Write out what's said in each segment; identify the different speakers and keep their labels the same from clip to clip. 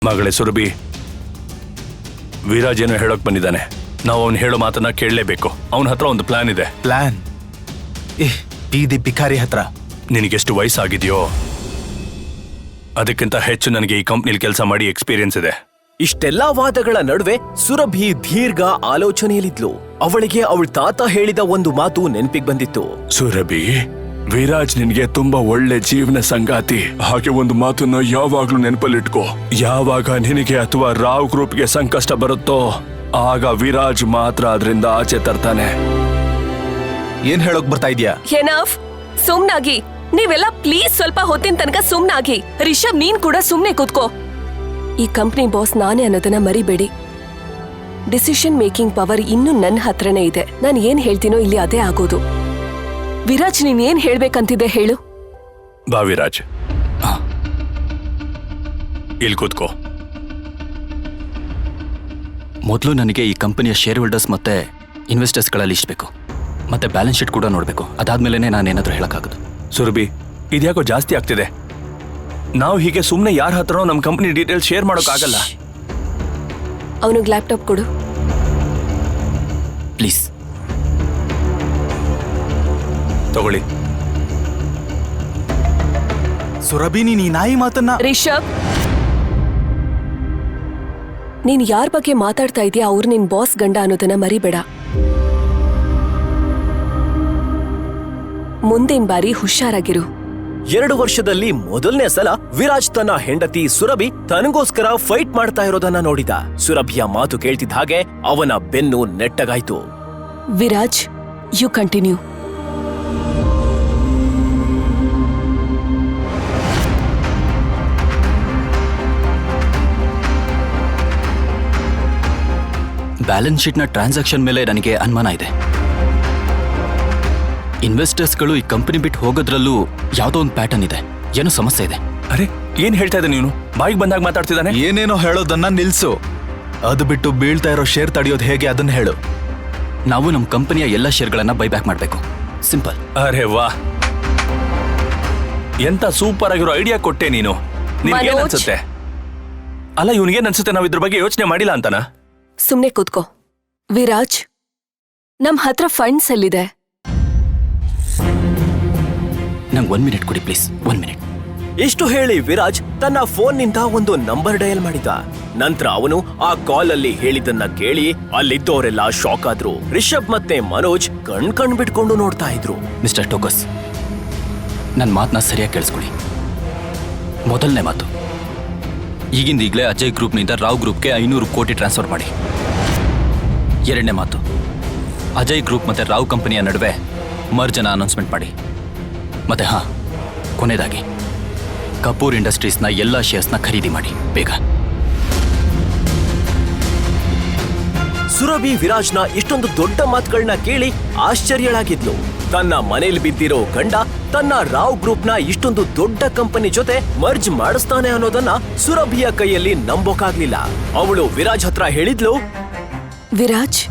Speaker 1: ಮಗಳೇ ಸುರಭಿ, ವಿರಾಜ್ ಏನೋ ಹೇಳೋಕ್ ಬಂದಿದ್ದಾನೆ. ನಾವು ಅವನು ಹೇಳೋ ಮಾತನ್ನ ಕೇಳಲೇಬೇಕು. ಅವನ ಹತ್ರ ಒಂದು ಪ್ಲಾನ್ ಇದೆ.
Speaker 2: ಪ್ಲಾನ್? ಬೀದಿ ಭಿಕಾರಿ ಹತ್ರ?
Speaker 1: ನಿನಗೆಷ್ಟು ವಯಸ್ಸಾಗಿದೆಯೋ ಅದಕ್ಕಿಂತ ಹೆಚ್ಚು ನನಗೆ ಈ ಕಂಪ್ನಿಲಿ ಕೆಲಸ ಮಾಡಿ ಎಕ್ಸ್ಪೀರಿಯನ್ಸ್ ಇದೆ.
Speaker 3: ಇಷ್ಟೆಲ್ಲಾ ವಾದಗಳ ನಡುವೆ ಸುರಭಿ ದೀರ್ಘ ಆಲೋಚನೆಯಲ್ಲಿದ್ಲು. ಅವಳಿಗೆ ಅವಳ ತಾತ ಹೇಳಿದ ಒಂದು ಮಾತು ನೆನಪಿಗೆ ಬಂದಿತ್ತು.
Speaker 1: ಸುರಭಿ, ವಿರಾಜ್ ನಿನ್ಗೆ ತುಂಬಾ ಒಳ್ಳೆ ಜೀವನ ಸಂಗಾತಿ. ಹಾಗೆ ಒಂದು ಮಾತನ್ನ ಯಾವಾಗ್ಲೂ ನೆನಪಲ್ಲಿಟ್ಕೋ. ಯಾವಾಗ ನಿನಗೆ ಅಥವಾ ರಾವ್ ಗ್ರೂಪ್ಗೆ ಸಂಕಷ್ಟ ಬರುತ್ತೋ ಆಗ ವಿರಾಜ್ ಮಾತ್ರ ಅದರಿಂದ ಆಚೆ ತರ್ತಾನೆ.
Speaker 2: ಏನ್ ಹೇಳೋಕ್ ಬರ್ತಾ ಇದ್ಯಾ?
Speaker 4: ಎನಫ್, ಸುಮ್ನಾಗಿ. ನೀವೆಲ್ಲ ಪ್ಲೀಸ್ ಸ್ವಲ್ಪ ಹೊತ್ತಿನ ತನಕ ಸುಮ್ನಾಗಿ. ರಿಷಬ್, ನೀನ್ ಕೂಡ ಸುಮ್ನೆ ಕೂತ್ಕೋ. ಈ ಕಂಪ್ನಿ ಬಾಸ್ ನಾನೇ ಅನ್ನೋದನ್ನ ಮರಿಬೇಡಿ. ಡಿಸಿಷನ್ ಮೇಕಿಂಗ್ ಪವರ್ ಇನ್ನು ನನ್ನ ಹತ್ರನೇ ಇದೆ. ನಾನು ಏನ್ ಹೇಳ್ತೀನೋ ಇಲ್ಲಿ ಅದೇ ಆಗೋದು. ವಿರಾಜ್, ನೀನ್ ಏನ್ ಹೇಳ್ಬೇಕಂತಿದೆ ಹೇಳು.
Speaker 1: ಬಾ ವಿರಾಜ್, ಇಲ್ಲಿ ಕೂತ್ಕೋ.
Speaker 5: ಮೊದಲು ನನಗೆ ಈ ಕಂಪನಿಯ ಶೇರ್ ಹೋಲ್ಡರ್ಸ್ ಮತ್ತೆ ಇನ್ವೆಸ್ಟರ್ಸ್ಗಳ ಲಿಸ್ಟ್ ಬೇಕು, ಮತ್ತೆ ಬ್ಯಾಲೆನ್ಸ್ ಶೀಟ್ ಕೂಡ ನೋಡಬೇಕು. ಅದಾದ್ಮೇಲೆ ನಾನೇನಾದ್ರೂ ಹೇಳಕ್ಕಾಗೋದು.
Speaker 1: ಸುರಭಿ, ಇದ್ಯಾಕೋ ಜಾಸ್ತಿ ಆಗ್ತಿದೆ. ನಾವು ಹೀಗೆ ಸುಮ್ಮನೆ ಯಾರ ಹತ್ರನೋ ನಮ್ಮ ಕಂಪನಿ ಡೀಟೇಲ್ಸ್ ಶೇರ್ ಮಾಡೋಕ್ಕಾಗಲ್ಲ.
Speaker 4: ಅವನಿಗೆ ಲ್ಯಾಪ್ಟಾಪ್ ಕೊಡು
Speaker 5: ಪ್ಲೀಸ್.
Speaker 1: ತಗೊಳ್ಳಿ.
Speaker 2: ಸುರಭಿ, ನೀನ್ ಈ ನಾಯಿ ಮಾತನ್ನ...
Speaker 4: ರಿಷಬ್, ನೀನ್ ಯಾರ ಬಗ್ಗೆ ಮಾತಾಡ್ತಾ ಇದೀಯಾ ಅವ್ರು ನಿನ್ ಬಾಸ್ ಗಂಡ ಅನ್ನೋದನ್ನ ಮರಿಬೇಡ. ಮುಂದಿನ ಬಾರಿ ಹುಷಾರಾಗಿರು.
Speaker 3: 2 ವರ್ಷದಲ್ಲಿ ಮೊದಲನೇ ಸಲ ವಿರಾಜ್ ತನ್ನ ಹೆಂಡತಿ ಸುರಭಿ ತನಗೋಸ್ಕರ ಫೈಟ್ ಮಾಡ್ತಾ ಇರೋದನ್ನ ನೋಡಿದ. ಸುರಭಿಯ ಮಾತು ಕೇಳ್ತಿದ್ದ ಹಾಗೆ ಅವನ ಬೆನ್ನು ನೆಟ್ಟಗಾಯ್ತು.
Speaker 4: Viraj, you continue.
Speaker 5: ಬ್ಯಾಲೆನ್ಸ್ ಶೀಟ್ನ ಟ್ರಾನ್ಸಾಕ್ಷನ್ ಮೇಲೆ ನನಗೆ ಅನುಮಾನ ಇದೆ. ಇನ್ವೆಸ್ಟರ್ಸ್ಗಳು ಈ ಕಂಪನಿ ಬಿಟ್ಟು ಹೋಗೋದ್ರಲ್ಲೂ ಯಾವುದೋ ಒಂದು ಪ್ಯಾಟರ್ನ್ ಇದೆ. ಏನೋ ಸಮಸ್ಯೆ ಇದೆ.
Speaker 1: ಅರೆ, ಏನ್ ಹೇಳ್ತಾ ಇದ್ದ ನೀನು? ಬಾಯಿಗೆ ಬಂದಾಗ ಮಾತಾಡ್ತಿದ್ದಾನೆ.
Speaker 2: ಏನೇನೋ ಹೇಳೋದನ್ನ ನಿಲ್ಸು. ಅದು ಬಿಟ್ಟು ಬೀಳ್ತಾ ಇರೋ ಶೇರ್ ತಡೆಯೋದು ಹೇಗೆ ಅದನ್ನ ಹೇಳು.
Speaker 5: ನಾವು ನಮ್ಮ ಕಂಪನಿಯ ಎಲ್ಲ ಶೇರ್ಗಳನ್ನ ಬೈಬ್ಯಾಕ್ ಮಾಡಬೇಕು. ಸಿಂಪಲ್.
Speaker 1: ಅರೆ ವಾ, ಎಂತ ಸೂಪರ್ ಆಗಿರೋ ಐಡಿಯಾ ಕೊಟ್ಟೆ ನೀನು. ನಿನ್ಗೇನ್
Speaker 4: ಮನೋಜ್.
Speaker 1: ಅನ್ಸುತ್ತೆ? ಅಲ್ಲ, ಇವನಿಗೇನ್ ಅನ್ಸುತ್ತೆ ನಾವು ಇದ್ರ ಬಗ್ಗೆ ಯೋಚನೆ ಮಾಡಿಲ್ಲ ಅಂತಾನ?
Speaker 4: ಸುಮ್ನೆ ಕೂತ್ಕೋ. ವಿರಾಜ್, ನಮ್ ಹತ್ರ ಫಂಡ್ಸ್ ಎಲ್ಲಿದೆ?
Speaker 5: ನಂಗೆ 1 ಮಿನಿಟ್ ಕೊಡಿ ಪ್ಲೀಸ್. 1 ಮಿನಿಟ್.
Speaker 3: ಇಷ್ಟು ಹೇಳಿ ವಿರಾಜ್ ತನ್ನ ಫೋನ್ನಿಂದ ಒಂದು ನಂಬರ್ ಡಯಲ್ ಮಾಡಿದ. ನಂತರ ಅವನು ಆ ಕಾಲ್ ಅಲ್ಲಿ ಹೇಳಿದ್ದನ್ನ ಕೇಳಿ ಅಲ್ಲಿದ್ದವರೆಲ್ಲ ಶಾಕ್ ಆದ್ರು. ರಿಷಬ್ ಮತ್ತೆ ಮನೋಜ್ ಕಣ್ ಬಿಟ್ಕೊಂಡು ನೋಡ್ತಾ ಇದ್ರು.
Speaker 5: ಮಿಸ್ಟರ್ ಟೋಕಸ್, ನನ್ನ ಮಾತನ್ನ ಸರಿಯಾಗಿ ಕೇಳಿಸ್ಕೊಳ್ಳಿ. ಮೊದಲನೇ ಮಾತು, ಈಗಿಂದೀಗಲೇ ಅಜಯ್ ಗ್ರೂಪ್ನಿಂದ ರಾವ್ ಗ್ರೂಪ್ಗೆ 500 ಕೋಟಿ ಟ್ರಾನ್ಸ್ಫರ್ ಮಾಡಿ. ಎರಡನೇ ಮಾತು, ಅಜಯ್ ಗ್ರೂಪ್ ಮತ್ತೆ ರಾವ್ ಕಂಪನಿಯ ನಡುವೆ ಮರ್ಜನ ಅನೌನ್ಸ್ಮೆಂಟ್ ಮಾಡಿ. ಮತ್ತೆ ಕೊನೆಯದಾಗಿ ಕಪೂರ್ ಇಂಡಸ್ಟ್ರೀಸ್ನ ಎಲ್ಲ ಶೇರ್ಸ್ನ ಖರೀದಿ ಮಾಡಿ ಬೇಗ.
Speaker 3: ಸುರಭಿ ವಿರಾಜ್ನ ಇಷ್ಟೊಂದು ದೊಡ್ಡ ಮಾತುಗಳನ್ನ ಕೇಳಿ ಆಶ್ಚರ್ಯಳಾಗಿದ್ಲು. ತನ್ನ ಮನೇಲಿ ಬಿದ್ದಿರೋ ಗಂಡ ತನ್ನ ರಾವ್ ಗ್ರೂಪ್ನ ಇಷ್ಟೊಂದು ದೊಡ್ಡ ಕಂಪನಿ ಜೊತೆ ಮರ್ಜ್ ಮಾಡಿಸ್ತಾನೆ ಅನ್ನೋದನ್ನ ಸುರಭಿಯ ಕೈಯಲ್ಲಿ ನಂಬೋಕಾಗ್ಲಿಲ್ಲ. ಅವಳು ವಿರಾಜ್ ಹತ್ರ ಹೇಳಿದ್ಲು,
Speaker 4: ವಿರಾಜ್,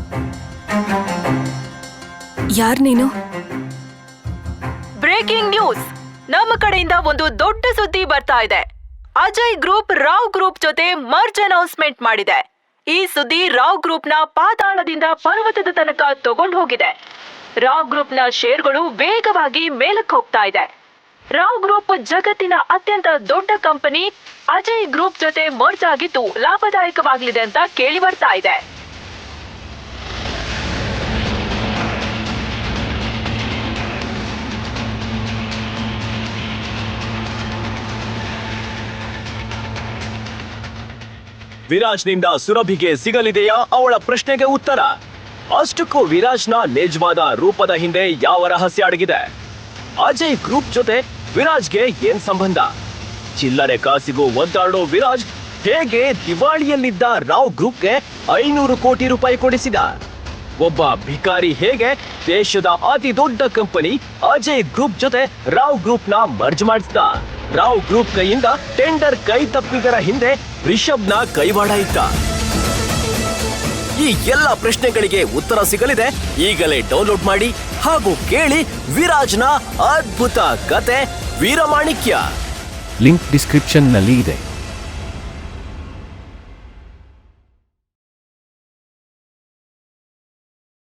Speaker 4: ಯಾರ್ ನೀನು?
Speaker 6: Breaking news! ನಮ್ಮ ಕಡೆಯಿಂದ ಒಂದು ದೊಡ್ಡ ಸುದ್ದಿ ಬರ್ತಾ ಇದೆ. ಅಜಯ್ ಗ್ರೂಪ್ ರಾವ್ ಗ್ರೂಪ್ ಜೊತೆ ಮರ್ಜ್ ಅನೌನ್ಸ್ಮೆಂಟ್ ಮಾಡಿದೆ. ಈ ಸುದ್ದಿ ರಾವ್ ಗ್ರೂಪ್ನ ಪಾತಾಳದಿಂದ ಪರ್ವತದ ತನಕ ತಗೊಂಡು ಹೋಗಿದೆ. ರಾವ್ ಗ್ರೂಪ್ನ ಶೇರ್ಗಳು ವೇಗವಾಗಿ ಮೇಲಕ್ಕೆ ಹೋಗ್ತಾ ಇದೆ. ರಾವ್ ಗ್ರೂಪ್ ಜಗತ್ತಿನ ಅತ್ಯಂತ ದೊಡ್ಡ ಕಂಪನಿ ಅಜಯ್ ಗ್ರೂಪ್ ಜೊತೆ ಮರ್ಜ್ ಆಗಿದ್ದು ಲಾಭದಾಯಕವಾಗಲಿದೆ ಅಂತ ಕೇಳಿ ಬರ್ತಾ ಇದೆ.
Speaker 3: ವಿರಾಜ್ನಿಂದ ಸುರಭಿಗೆ ಸಿಗಲಿದೆಯಾ ಅವಳ ಪ್ರಶ್ನೆಗೆ ಉತ್ತರ? ಅಷ್ಟಕ್ಕೂ ವಿರಾಜ್ನ ನಿಜವಾದ ರೂಪದ ಹಿಂದೆ ಯಾವ ರಹಸ್ಯ ಅಡಗಿದೆ? ಅಜಯ್ ಗ್ರೂಪ್ ಜೊತೆ ವಿರಾಜ್ಗೆ ಏನ್ ಸಂಬಂಧ? ಚಿಲ್ಲರೆ ಕಾಸಿಗೂ ಒದ್ದಾಡೋ ವಿರಾಜ್ ಹೇಗೆ ದಿವಾಳಿಯಲ್ಲಿದ್ದ ರಾವ್ ಗ್ರೂಪ್ಗೆ 500 ಕೋಟಿ ರೂಪಾಯಿ ಕೊಡಿಸಿದ? ಒಬ್ಬ ಭಿಕಾರಿ ಹೇಗೆ ದೇಶದ ಅತಿ ದೊಡ್ಡ ಕಂಪನಿ ಅಜಯ್ ಗ್ರೂಪ್ ಜೊತೆ ರಾವ್ ಗ್ರೂಪ್ನ ಮರ್ಜ್ ಮಾಡಿಸಿದ? ರಾವ್ ಗ್ರೂಪ್ ಕೈಯಿಂದ ಟೆಂಡರ್ ಕೈ ತಪ್ಪಿದರ ಹಿಂದೆ ರಿಷಬ್ನ ಕೈವಾಡ ಇತ್ತ. ಈ ಎಲ್ಲ ಪ್ರಶ್ನೆಗಳಿಗೆ ಉತ್ತರ ಸಿಗಲಿದೆ. ಈಗಲೇ ಡೌನ್ಲೋಡ್ ಮಾಡಿ ಹಾಗೂ ಕೇಳಿ ವಿರಾಜ್ನ ಅದ್ಭುತ ಕತೆ ವೀರಮಾಣಿಕ್ಯ.
Speaker 7: ಲಿಂಕ್ ಡಿಸ್ಕ್ರಿಪ್ಷನ್ನಲ್ಲಿ ಇದೆ.